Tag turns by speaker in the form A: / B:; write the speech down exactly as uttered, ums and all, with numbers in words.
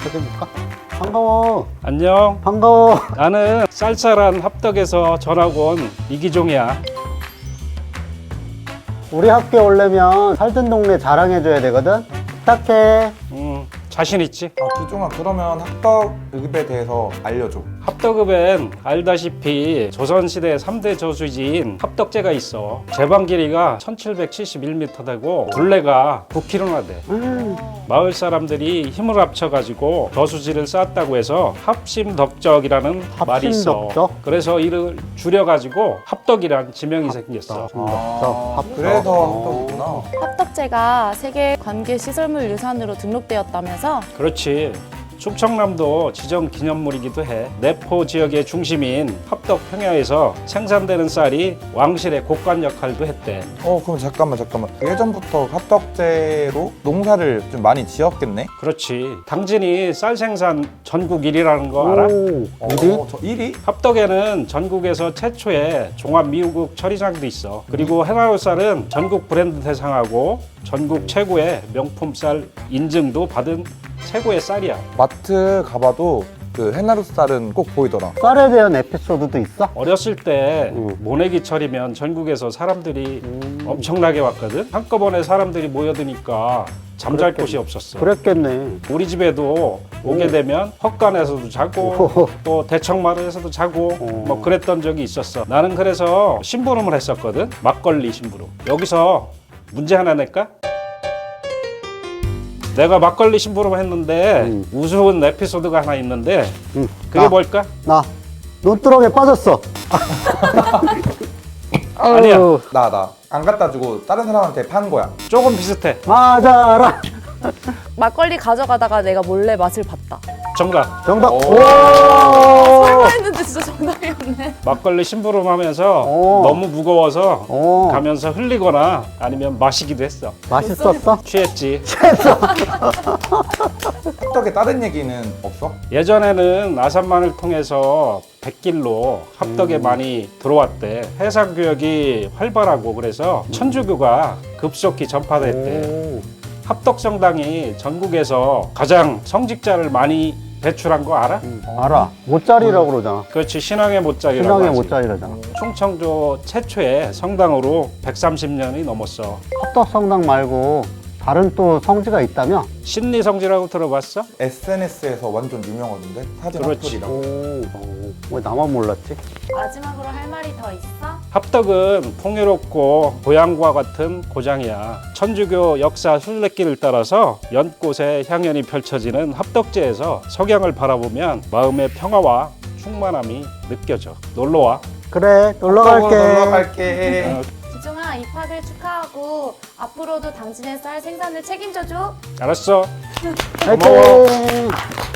A: 어떻게 해볼까? 반가워.
B: 안녕.
A: 반가워.
B: 나는 쌀쌀한 합덕에서 전학 온 이기종이야.
A: 우리 학교 오려면 살던 동네 자랑해줘야 되거든? 부탁해.
B: 음, 자신 있지?
C: 아, 기종아, 그러면 합덕읍에 대해서 알려줘.
B: 합덕읍엔 알다시피 조선시대 삼 대 저수지인 합덕제가 있어. 제방 길이가 천칠백칠십일 미터 되고 둘레가 구 킬로미터나 돼.
A: 음.
B: 마을 사람들이 힘을 합쳐가지고 저수지를 쌓았다고 해서 합심덕적이라는 말이 있어.
A: 합심덕적?
B: 그래서 이를 줄여가지고 합덕이란 지명이 생겼어.
A: 합덕, 합덕.
C: 그래서 합덕이구나.
D: 합덕제가 세계 관계시설물 유산으로 등록되었다면서?
B: 그렇지. 충청남도 지정 기념물이기도 해. 내포 지역의 중심인 합덕 평야에서 생산되는 쌀이 왕실의 곡관 역할도 했대.
C: 어, 그럼 잠깐만, 잠깐만. 예전부터 합덕제로 농사를 좀 많이 지었겠네?
B: 그렇지. 당진이 쌀 생산 전국 일 위라는 거 알아?
A: 오, 어디?
C: 어, 저 일 위?
B: 합덕에는 전국에서 최초의 종합미우국 처리장도 있어. 그리고 해나루 쌀은 전국 브랜드 대상하고 전국 최고의 명품 쌀 인증도 받은 최고의 쌀이야.
C: 마트 가봐도 그 해나루 쌀은 꼭 보이더라.
A: 쌀에 대한 에피소드도 있어?
B: 어렸을 때
A: 음.
B: 모내기철이면 전국에서 사람들이
A: 음.
B: 엄청나게 왔거든. 한꺼번에 사람들이 모여드니까 잠잘
A: 그랬겠네.
B: 곳이 없었어.
A: 그랬겠네.
B: 우리 집에도 오게 되면 헛간에서도 자고
A: 오.
B: 또 대청마루에서도 자고
A: 오.
B: 뭐 그랬던 적이 있었어. 나는 그래서 심부름을 했었거든. 막걸리 심부름. 여기서 문제 하나 낼까? 내가 막걸리 심부름을 했는데
A: 음.
B: 우스운 에피소드가 하나 있는데
A: 응.
B: 그게
A: 나,
B: 뭘까?
A: 나 논두렁에 빠졌어.
B: 아니야.
A: 아유,
C: 나, 나. 안 갖다 주고 다른 사람한테 판 거야.
B: 조금 비슷해.
A: 맞아라.
D: 막걸리 가져가다가 내가 몰래 맛을 봤다.
B: 정답.
A: 정답.
C: 오.
A: 오.
D: 설마 했는데 진짜 정답이었네.
B: 막걸리 심부름하면서
A: 오.
B: 너무 무거워서
A: 오.
B: 가면서 흘리거나 아니면 마시기도 했어.
A: 맛있었어?
B: 취했지.
C: 합덕에 다른 얘기는 없어?
B: 예전에는 아산만을 통해서 백길로 합덕에
A: 음.
B: 많이 들어왔대. 해상 교역이 활발하고 그래서 천주교가 급속히 전파됐대.
A: 오.
B: 합덕성당이 전국에서 가장 성직자를 많이 배출한 거 알아?
A: 음, 알아. 못자리라고 그러잖아.
B: 그렇지, 신앙의 못자리라고
A: 신앙의
B: 하지.
A: 못자리라잖아.
B: 충청도 최초의 성당으로 백삼십 년이 넘었어.
A: 합덕성당 말고 다른 또 성지가 있다며?
B: 신리성지라고 들어봤어?
C: 에스엔에스에서 완전 유명하던데? 사진
B: 그렇지.
C: 핫플이라고.
A: 오. 오. 왜 나만 몰랐지?
D: 마지막으로 할 말이 더 있어?
B: 합덕은 풍요롭고 고향과 같은 고장이야. 천주교 역사 순례길을 따라서 연꽃의 향연이 펼쳐지는 합덕제에서 석양을 바라보면 마음의 평화와 충만함이 느껴져. 놀러와.
A: 그래, 놀러
C: 합덕으로
A: 갈게.
C: 놀러 갈게.
B: 어,
D: 기종아, 입학을 축하하고 앞으로도 당신의 쌀 생산을 책임져줘.
B: 알았어.
A: 화이팅!